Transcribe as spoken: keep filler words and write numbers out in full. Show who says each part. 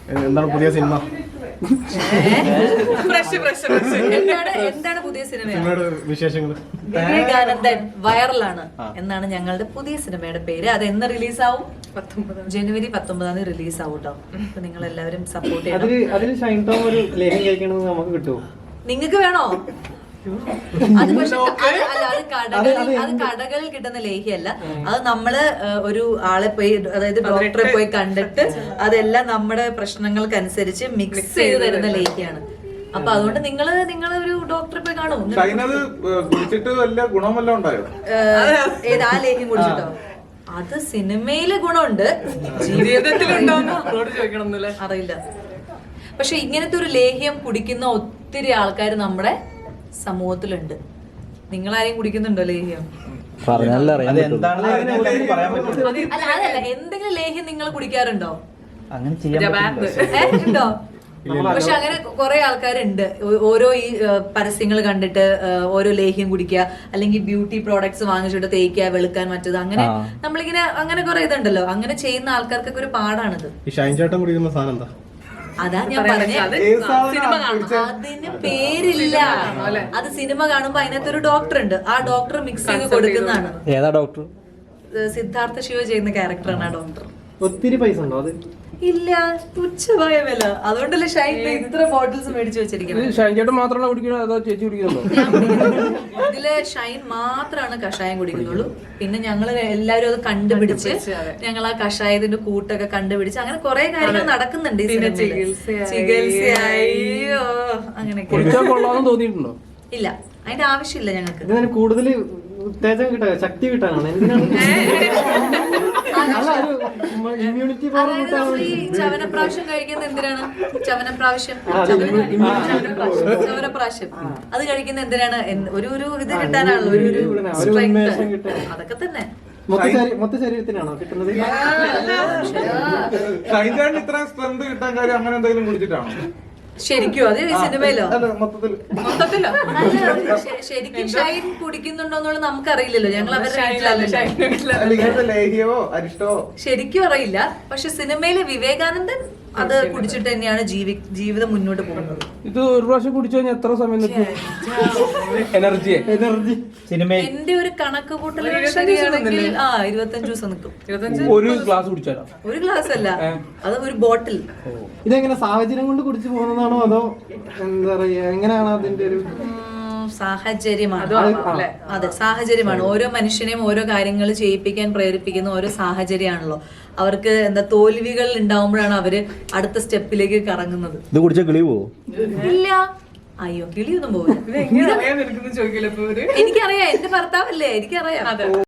Speaker 1: എന്താണ് പുതിയ സിനിമ?
Speaker 2: എന്താണ് പുതിയ സിനിമ?
Speaker 1: വിശേഷങ്ങൾ?
Speaker 2: വിവേകാനന്ദൻ വൈറലാണ് എന്നാണ് ഞങ്ങളുടെ പുതിയ സിനിമയുടെ പേര്. അത് എന്ന് റിലീസാവും? ജനുവരി പത്തൊമ്പതാം തീയതി റിലീസ് ആവും കേട്ടോ. അപ്പൊ നിങ്ങൾ എല്ലാവരും സപ്പോർട്ട് ചെയ്യണം.
Speaker 3: അതിൽ ഷൈൻ ടോം ഒരു ലേഖനം കഴിക്കണമെന്ന് നമുക്ക് കിട്ടുമോ?
Speaker 2: നിങ്ങക്ക് വേണോ? അത് പക്ഷെ അല്ല, അത് കടകളിൽ അത് കടകളിൽ കിട്ടുന്ന ലേഹ്യല്ല. അത് നമ്മള് ഒരു ആളെ പോയി, അതായത് ഡോക്ടറെ പോയി കണ്ടിട്ട് അതെല്ലാം നമ്മുടെ പ്രശ്നങ്ങൾക്കനുസരിച്ച് മിക്സ് ചെയ്ത് തരുന്ന ലേഹ്യാണ്. അപ്പൊ അതുകൊണ്ട് നിങ്ങള് നിങ്ങള് ഒരു ഡോക്ടറെ പോയി കാണും. ഏത് ആ ലേഹ്യം കുടിച്ചിട്ടോ? അത് സിനിമയില് ഗുണമുണ്ട്, ജീവിതത്തിലുണ്ടോന്ന് അറിയില്ല. പക്ഷെ ഇങ്ങനത്തെ ഒരു ലേഹ്യം കുടിക്കുന്ന ഒത്തിരി ആൾക്കാർ നമ്മുടെ സമൂഹത്തിലുണ്ട്. നിങ്ങളാരെയും കുടിക്കുന്നുണ്ടോ ലേഹ്യം?
Speaker 4: പറഞ്ഞാലേ അറിയാൻ
Speaker 2: അല്ല അതല്ല, എന്തെങ്കിലും ലേഹ്യം നിങ്ങൾ കുടിക്കാറുണ്ടോ?
Speaker 4: അങ്ങനെ ചെയ്യാൻ
Speaker 2: ഉണ്ടോ? പക്ഷെ അങ്ങനെ കുറെ ആൾക്കാരുണ്ട്. ഓരോ ഈ പരസ്യങ്ങൾ കണ്ടിട്ട് ഓരോ ലേഹ്യം കുടിക്കുക, അല്ലെങ്കിൽ ബ്യൂട്ടി പ്രോഡക്ട്സ് വാങ്ങിച്ചിട്ട് തേക്കുക, വെളുക്കാൻ മറ്റത്, അങ്ങനെ നമ്മളിങ്ങനെ അങ്ങനെ കുറെ ഇതുണ്ടല്ലോ. അങ്ങനെ ചെയ്യുന്ന ആൾക്കാർക്കൊക്കെ ഒരു പാടാണിത്.
Speaker 1: ഈ ഷൈൻ ചേട്ടൻ കുടിക്കുന്ന സാധനം എന്താ?
Speaker 2: അതാ ഞാൻ പറഞ്ഞത്, അതിന് പേരില്ല. അത് സിനിമ കാണുമ്പോ അതിനകത്തൊരു ഡോക്ടർ ഉണ്ട്, ആ ഡോക്ടർ മിക്സ് ചെയ്ത് കൊടുക്കുന്നതാണ്.
Speaker 4: ഏതാ ഡോക്ടർ?
Speaker 2: സിദ്ധാർത്ഥ ശിവ ചെയ്യുന്ന ക്യാരക്ടറാണ് ആ ഡോക്ടർ.
Speaker 3: ഒത്തിരി പൈസ ഉണ്ടോ അത്?
Speaker 2: ഇല്ല, തുച്ഛമായ വില. അതുകൊണ്ടല്ലേ ഷൈൻ ഇത്ര ബോട്ടിൽസ് മേടിച്ചു വെച്ചിരിക്കുന്നത്.
Speaker 3: ഷൈൻ ചേട്ടൻ മാത്രമാണോ കുടിക്കുന്നത് അതോ ചേച്ചി കുടിക്കുന്നുണ്ടോ?
Speaker 2: ഇതില് ഷൈൻ മാത്രമാണ് കഷായം കുടിക്കുന്നുള്ളൂ. പിന്നെ ഞങ്ങള് എല്ലാവരും അത് കണ്ടുപിടിച്ച് ഞങ്ങൾ ആ കഷായത്തിന്റെ കൂട്ടൊക്കെ കണ്ടുപിടിച്ച് അങ്ങനെ കുറെ കാര്യങ്ങൾ നടക്കുന്നുണ്ട് ഈ സിനിമയിൽ. ചികിത്സയോ അങ്ങനെയൊക്കെ.
Speaker 3: തോന്നിയിട്ടുണ്ടോ?
Speaker 2: ഇല്ല, അതിന്റെ ആവശ്യമില്ല ഞങ്ങൾക്ക്.
Speaker 3: കൂടുതൽ ഉത്തേജനം കിട്ടാൻ, ശക്തി കിട്ടാനാണ്. എന്തിനാണ് ഇമ്മ്യൂണിറ്റി പവർ കിട്ടാൻ?
Speaker 2: ഈ ചവനപ്രാവശ്യം കഴിക്കുന്ന എന്തിനാണ്? ചവനപ്രാവശ്യം ചവനപ്രാവശ്യം അത് കഴിക്കുന്ന എന്തിനാണ്? ഒരു ഒരു ഇത് കിട്ടാനാണല്ലോ, ഒരു ഒരു അതൊക്കെ തന്നെ.
Speaker 3: മൊത്ത ശരീരത്തിനാണോ കിട്ടുന്നത്?
Speaker 1: കിട്ടാൻ കാര്യം അങ്ങനെ എന്തെങ്കിലും കുടിച്ചിട്ടാണോ?
Speaker 2: ശരിക്കും അത് ഈ സിനിമയിലോ?
Speaker 1: മൊത്തത്തിലോ?
Speaker 2: ശരിക്കും ഷൈൻ കുടിക്കുന്നുണ്ടോന്നുള്ളത് നമുക്കറിയില്ലല്ലോ. ഞങ്ങൾ അവരുടെ ശരിക്കും അറിയില്ല. പക്ഷെ സിനിമയിലെ വിവേകാനന്ദൻ അത് കുടിച്ചിട്ട് തന്നെയാണ് ജീവി ജീവിതം മുന്നോട്ട് പോകുന്നത്.
Speaker 3: ഇത് ഒരു പ്രാവശ്യം കുടിച്ചു കഴിഞ്ഞാൽ എത്ര സമയം നിൽക്കും? എനർജി എനർജി
Speaker 4: സിനിമയിൽ
Speaker 2: എന്റെ ഒരു കണക്ക് കൂട്ടൽ ശരിയാണെങ്കിൽ ആ ഇരുപത്തഞ്ചു ദിവസം നിൽക്കും.
Speaker 3: ഒരു ഗ്ലാസ് കുടിച്ചാലോ?
Speaker 2: ഒരു ഗ്ലാസ് അല്ല, അത് ഒരു ബോട്ടിൽ.
Speaker 3: ഇതെങ്ങനെ സാഹചര്യം കൊണ്ട് കുടിച്ചു പോകുന്നതാണോ അതോ എന്താ പറയാ, എങ്ങനെയാണ് അതിന്റെ ഒരു
Speaker 2: സാഹചര്യമാണ്? അതെ, സാഹചര്യമാണ്. ഓരോ മനുഷ്യനെയും ഓരോ കാര്യങ്ങൾ ചെയ്യിപ്പിക്കാൻ പ്രേരിപ്പിക്കുന്ന ഓരോ സാഹചര്യമാണല്ലോ. അവർക്ക് എന്താ തോൽവികൾ ഉണ്ടാവുമ്പോഴാണ് അവര് അടുത്ത സ്റ്റെപ്പിലേക്ക് കറങ്ങുന്നത്.
Speaker 4: ഇത് കുടിച്ചാൽ കിളി പോവോ?
Speaker 2: ഇല്ല, അയ്യോ കിളിയൊന്നും പോകില്ല. എനിക്കറിയാം, എന്റെ ഭർത്താവല്ലേ, എനിക്കറിയാം.